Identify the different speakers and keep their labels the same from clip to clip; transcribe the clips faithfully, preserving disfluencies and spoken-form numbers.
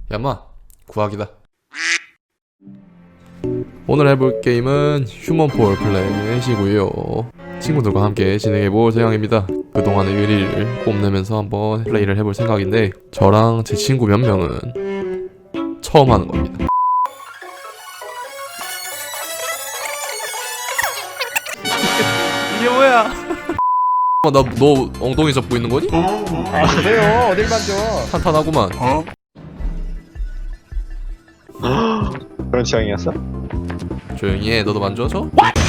Speaker 1: 야마 구하기다. 오늘 해볼 게임은 휴먼폴 플랫이고요. 친구들과 함께 진행해볼 생각입니다. 그동안의 의리를 뽐내면서 한번 플레이를 해볼 생각인데, 저랑 제 친구 몇 명은 처음 하는 겁니다. 이게 뭐야? 나 너 엉덩이 잡고 있는 거니?
Speaker 2: 아 그래요? 어딜 만져?
Speaker 1: 탄탄하구만.
Speaker 2: 어? 그런 취향이었어?
Speaker 1: 조용히 해. 너도 만져 줘?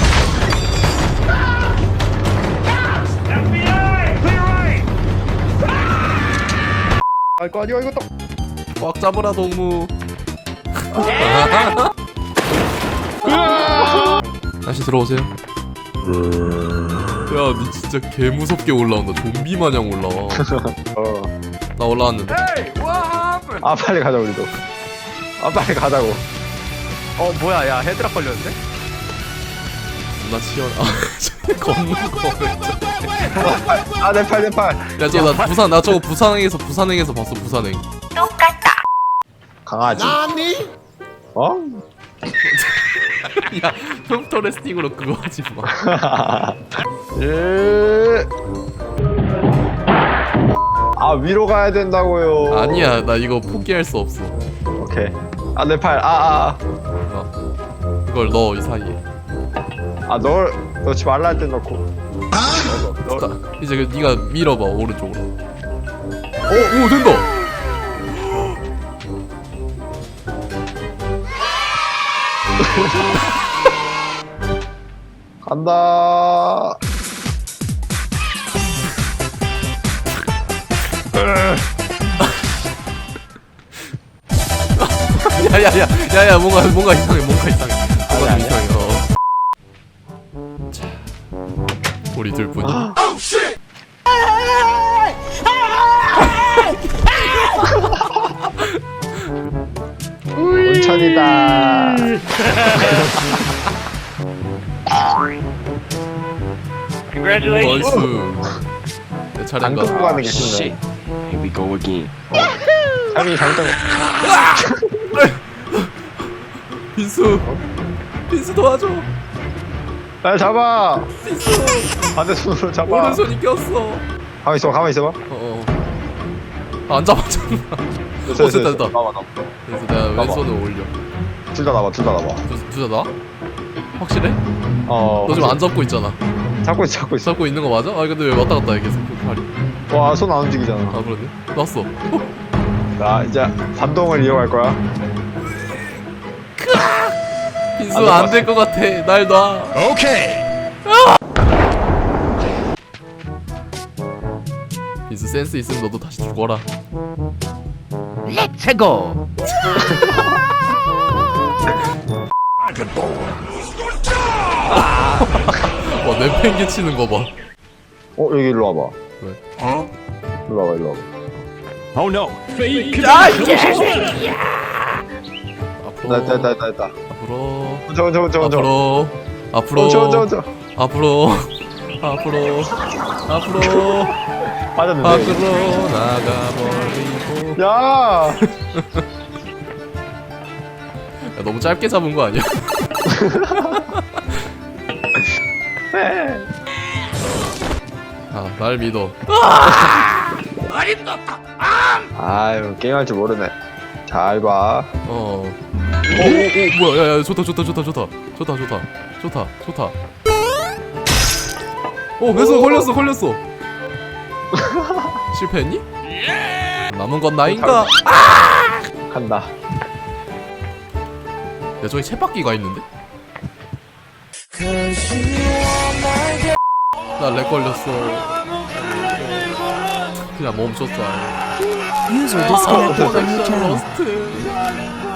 Speaker 2: 아이고 아니요 이거 또
Speaker 1: 꽉 잡으라 동무. 다시 들어오세요. 야, 니 진짜 개 무섭게 올라온다. 좀비 마냥 올라와.
Speaker 2: 어.
Speaker 1: 나 올라왔는데.
Speaker 2: 아 빨리 가자 우리도. 아 빨리 가자고. 어 뭐야 야 헤드락 걸렸는데?
Speaker 1: 나 치열. 아, 걷는 거.
Speaker 2: 아 내 팔 내 팔.
Speaker 1: 야, 저 나 부산 나 저거 부산행에서 부산행에서 봤어. 부산행.
Speaker 2: 강아지. 어?
Speaker 1: 야, 흉터 레스팅으로 그거 하지 마.
Speaker 2: 예. 아 위로 가야 된다고요.
Speaker 1: 아니야, 나 이거 포기할 수 없어.
Speaker 2: 오케이. 아 내 팔. 아아.
Speaker 1: 어. 이걸 넣어 이 사이에.
Speaker 2: 아널 넣지 말라 할 때 넣고. 넣어.
Speaker 1: 자, 이제 그 네가 밀어봐 오른쪽으로. 오, 오 된다.
Speaker 2: 간다.
Speaker 1: 야야야, 야야 뭔가 뭔가 이상해, 뭔가 이상해, 뭔가 좀
Speaker 2: 아니,
Speaker 1: 이상해. 어. 자, 우리 둘뿐이.
Speaker 2: 온천이다.
Speaker 1: 나이스. 내
Speaker 2: 안
Speaker 1: 차례인가?
Speaker 2: 끌고 가는 게 쉽네.
Speaker 3: Here we go again.
Speaker 2: 삶이 장점.
Speaker 1: 빈수, 빈수 도와줘.
Speaker 2: 날 잡아.
Speaker 1: 빈수,
Speaker 2: 반대손으로 잡아.
Speaker 1: 오른손이 꼈어.
Speaker 2: 가만 있어, 가만 있어봐.
Speaker 1: 어, 어. 아, 안 잡았잖아. 어, 됐다, 됐다.
Speaker 2: 나와, 나와.
Speaker 1: 그래서 내가
Speaker 2: 봐봐.
Speaker 1: 왼손을 올려.
Speaker 2: 둘다 나와, 둘 다 나와.
Speaker 1: 둘 다 나? 확실해?
Speaker 2: 어.
Speaker 1: 너 지금 안 잡고 있잖아.
Speaker 2: 잡고 있어, 잡고 있어.
Speaker 1: 잡고 있는 거 맞아? 아, 근데 왜 왔다 갔다 해 계속 그 팔이?
Speaker 2: 와, 손 안 움직이잖아.
Speaker 1: 아, 그러네. 났어.
Speaker 2: 자, 이제 반동을 이용할 거야.
Speaker 1: 빈수
Speaker 2: 안
Speaker 1: 안 될 것 같아. 날 놔.
Speaker 3: Okay.
Speaker 1: 빈수 센스 있으면 너도 다시 죽어라.
Speaker 3: Let's go.
Speaker 1: 와, 내팽개 치는 거 봐.
Speaker 2: 어, 여기 일로 와봐.
Speaker 1: 왜?
Speaker 2: 일로 와봐, 일로 와봐.
Speaker 3: Oh no.
Speaker 1: 앞으로.
Speaker 2: 나, 나, 나, 나, 나.
Speaker 1: 앞으로.
Speaker 2: 저, 저, 저, 저.
Speaker 1: 앞으로. 앞으로.
Speaker 2: 어, 저, 저, 저.
Speaker 1: 앞으로. 앞으로. 앞으로.
Speaker 2: 맞았는데.
Speaker 1: 밖으로 나가버리고.
Speaker 2: 야!
Speaker 1: 야, 너무 짧게 잡은 거 아니야?
Speaker 2: 네.
Speaker 1: 아, 날 믿어.
Speaker 2: 아유, 게임할 줄 모르네. 잘 봐.
Speaker 1: 어. 오, 오, 오, 뭐야? 야, 야, 좋다, 좋다, 좋다, 좋다, 좋다, 좋다, 좋다, 좋다. 오, 됐어, 걸렸어, 걸렸어. 실패했니? 남은 건 나인가?
Speaker 2: 간다.
Speaker 1: 야, 저기 쳇바퀴가 있는데? 나 렉 걸렸어. 그냥 멈췄어. 아예.
Speaker 4: User disconnected from your
Speaker 1: 커넥션
Speaker 4: channel.
Speaker 1: 러스트.